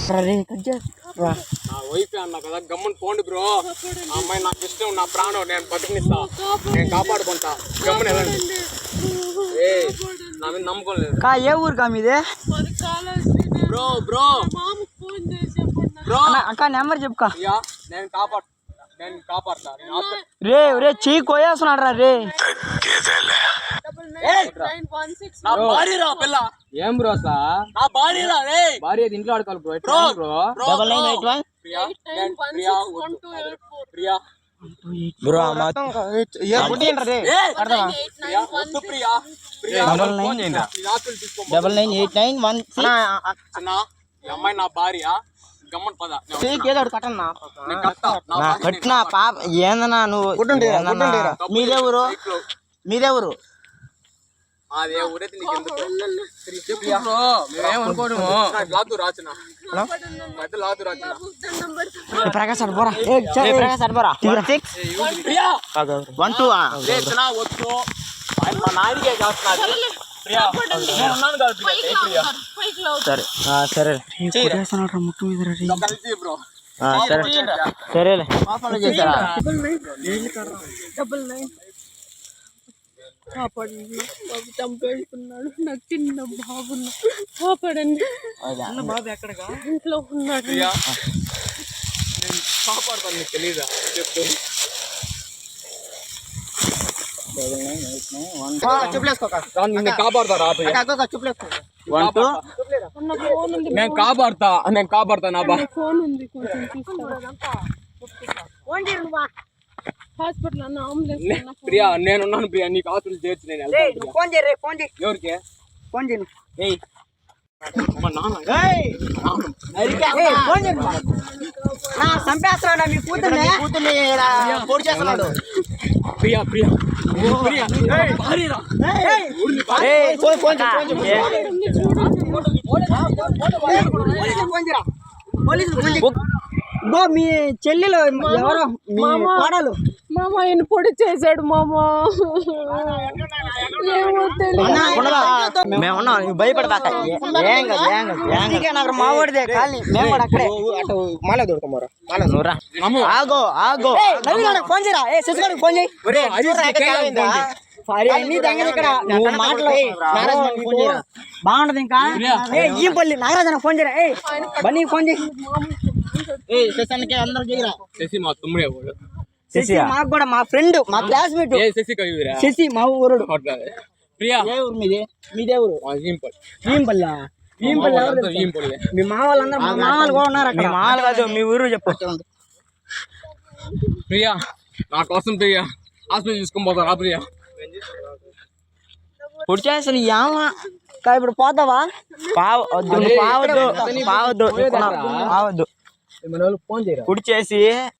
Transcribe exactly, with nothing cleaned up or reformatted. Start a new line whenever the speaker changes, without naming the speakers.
నా వైఫ్ అన్నా కదా గమ్మని పోండి బ్రో. ఆ అమ్మాయి నాకు ఇష్టం, నా ప్రాణం, నేను బతికినిస్తా, నేను కాపాడుకుంటా. గమ్మని వెళ్ళండి. ఏ నా మీద నమ్మకం లేదు.
ఏ ఊరు కా మీదే
బ్రో బ్రో బ్రో
అక్క నెంబర్ చెప్పుకా.
నేను కాపాడు నేను కాపాడతా.
రే రే చెయ్యి కోయేస్తున్నాడు రా రే.
నా భార్య రా పిల్ల.
ఏం బ్రో సా
నా భార్య రా రే.
భార్య ఇంట్లో ఆడుకోవాలి bro.
Bro
bro
double nine eight one
Priya Priya Priya
bro double nine eight nine one
అమ్మాయి నా భార్య. గమ్మన్ పద
కట్టినా పాప ఏందన్నా నువ్వు. మీదెవరు మీదెవరు
అదే ఊరైతే నీకు మేమేమనుకోను. లాదు రాచిన లాదు రాచిన
ప్రకాశ్ అడ్బోరా ప్రకాశ్ అడ్బోరా వన్ టూ
వచ్చు. ఆయన మా నాయనకే చేస్తున్నారు.
సరే సరే ముక్కు మీద
బ్రో
సరే సరేలే చేశారా.
కాపాడండి బాబు, చంపేసుకున్నాడు. నాకు చిన్న బాబున్నా, కాపాడండి.
బాబు ఎక్కడగా
ఇంట్లో ఉన్నాడు.
నేను కాపాడుతాను, నీకు తెలీదా చెప్తూ. కాపాడతా నేను కాపాడతా నేను కాపాడతా నా బా
ఫోన్ ఉంది, కొంచెం చూస్తా. హాస్పిటల్ అన్న అంబులెన్స్.
ప్రియా నేనున్నాను ప్రియా, నీకు హాస్పిటల్ చేర్చి నేను వెళ్తాను.
ఫోన్ చేయి ఫోన్ చేయి
ఎవరికి
ఫోన్ చేయి చంపేస్తున్నాడు మీ కూతుర్ని కూతుర్ని పొడి చేస్తున్నాడు.
ప్రియా ప్రియా ప్రియా
గో మీ చెల్లెలు ఎవరో మీ కోడలు
మామ ఆయన పొడి చేశాడు మామ.
మేమున్నా భయపడదాక నాకు మావాడిదే ఖాళీ మేము కూడా అక్కడే
మాల దొరకమారా
ఆగో ఆగో ఫోన్ చేయరా. ఏ శశిగాడికి ఫోన్ చేయి. ఇక్కడ నువ్వు మాటలు బాగుంటది. ఇంకా ఈ పల్లి నాగరాజన ఫోన్ చేయరా. ఏ బన్నీ ఫోన్ చేయి. ఏ శశానికి అందరూ చేయరా.
శశి మా తమ్ముడే.
శశి మాకు కూడా మా ఫ్రెండ్ మా క్లాస్మేట్
శశి కవిరా.
శశి మా ఊరు.
ప్రియా
ఏ ఊరు మీది మీదే ఊరు భీంపల్లి. మీ మా వాళ్ళందరూ మా మామలు కూడా ఉన్నారు అక్కడ. మామలు కాదు మీ ఊరు చెప్పు.
ప్రియా నా కోసం ప్రియా హాస్పిటల్ తీసుకొని పోతా ప్రియా.
పొడి చేసిన యామా ఇప్పుడు పోతావా. పావద్దు పావద్దు పావద్దు పావద్దు
మన వాళ్ళు ఫోన్ చేయరా.
పొడి చేసి